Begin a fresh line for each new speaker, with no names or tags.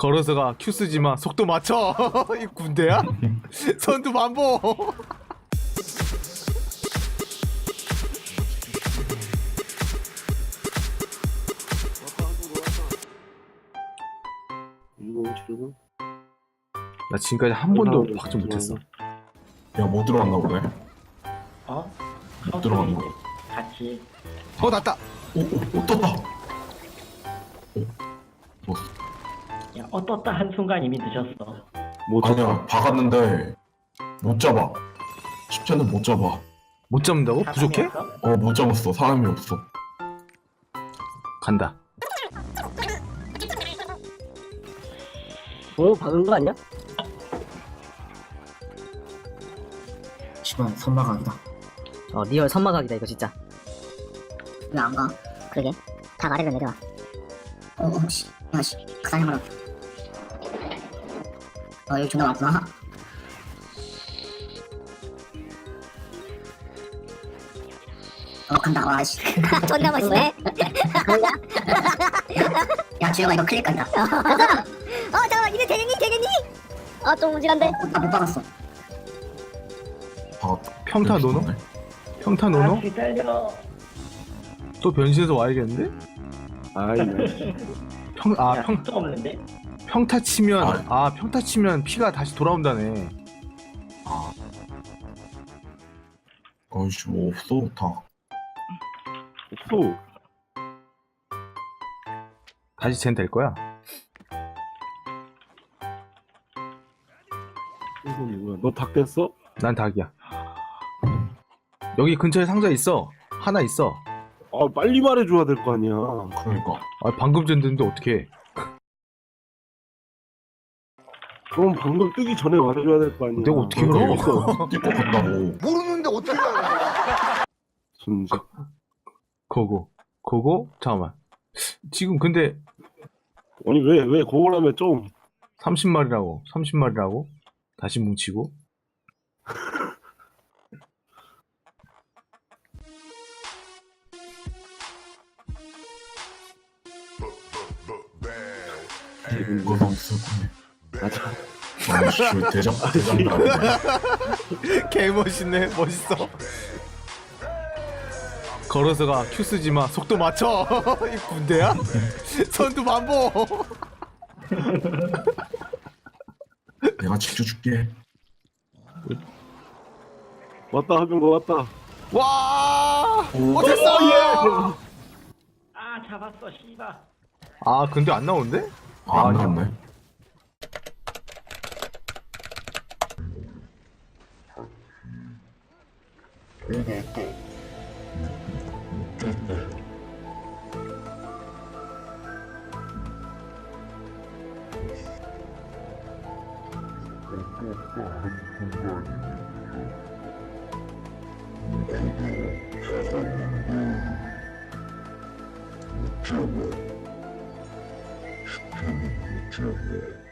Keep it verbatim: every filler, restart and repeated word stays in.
걸어서가 큐 쓰지마 속도 맞춰. 이 군대야? 선두 반복. 나 지금까지 한 번도 확정 못했어.
야, 뭐 들어갔나 보네.
어?
못 들어갔나 봐.
같이.
어 났다.
오, 오, 오, 떴다. 오, 뭐,
야, 어 떴다 한 순간 이미 늦었어.
뭐 아니야, 박았는데 못 잡아. 쉽지 않은 못 잡아.
못 잡는다고? 부족해?
사람이었어?
어, 못 잡았어. 사람이 없어.
간다.
어? 박은 거 아니야?
씨발 선마각이다.
어 리얼 선마각이다 이거 진짜.
왜 안 가?
그러게 다 아래로 내려와.
어, 어, 씨, 야, 씨, 그 사람으로. 어, 여기 존나 많구나. 어, 간다, 와, 씨.
존나 멋있네.
야, 주영아, 이거 클릭 간다.
어 잠깐만 이제 되겠니 되겠니? 아좀 우질한데.
어, 나못 박았어.
박았다.
평타 노노?
죽었네.
평타 노노?
아, 기다려.
또 변신해서 와야겠는데?
아이,
평, 아,
야,
평,
또 없는데?
평타 치면, 아, 평타 치면 피가 다시 돌아온다네.
어이씨, 뭐 없어, 다.
없어.
다시 쟨 될 거야.
이거 뭐야? 너 닭 됐어?
난 닭이야. 여기 근처에 상자 있어. 하나 있어.
아, 빨리 말해줘야 될 거 아니야.
그러니까.
아, 방금 전 됐는데 어떡해.
그럼 방금 뜨기 전에 말해줘야 될 거 아니야.
내가 어떻게 알아?
있어.
뛸것 같다고.
모르는데 어떻게 알아?
순지.
거고. 거고? 잠깐만. 지금 근데
아니 왜 왜 그걸 하면 좀
삼십 마리라고. 삼십 마리라고. 다시 뭉치고.
이거 너무 쓸 거네.
맞아.
아이씨, 대장, 대장 나네.
개 멋있네. 멋있어. 걸어서가 큐 쓰지마 속도 맞춰. 이 군대야? 선두 반복.
내가 지켜줄게.
왔다 하면 거 왔다.
와!
오.
못했어!
아, 잡았어, 씨발.
아, 근데 안 나오는데?
아, 안
아니야.
나왔네.
Jumbo. Jumbo.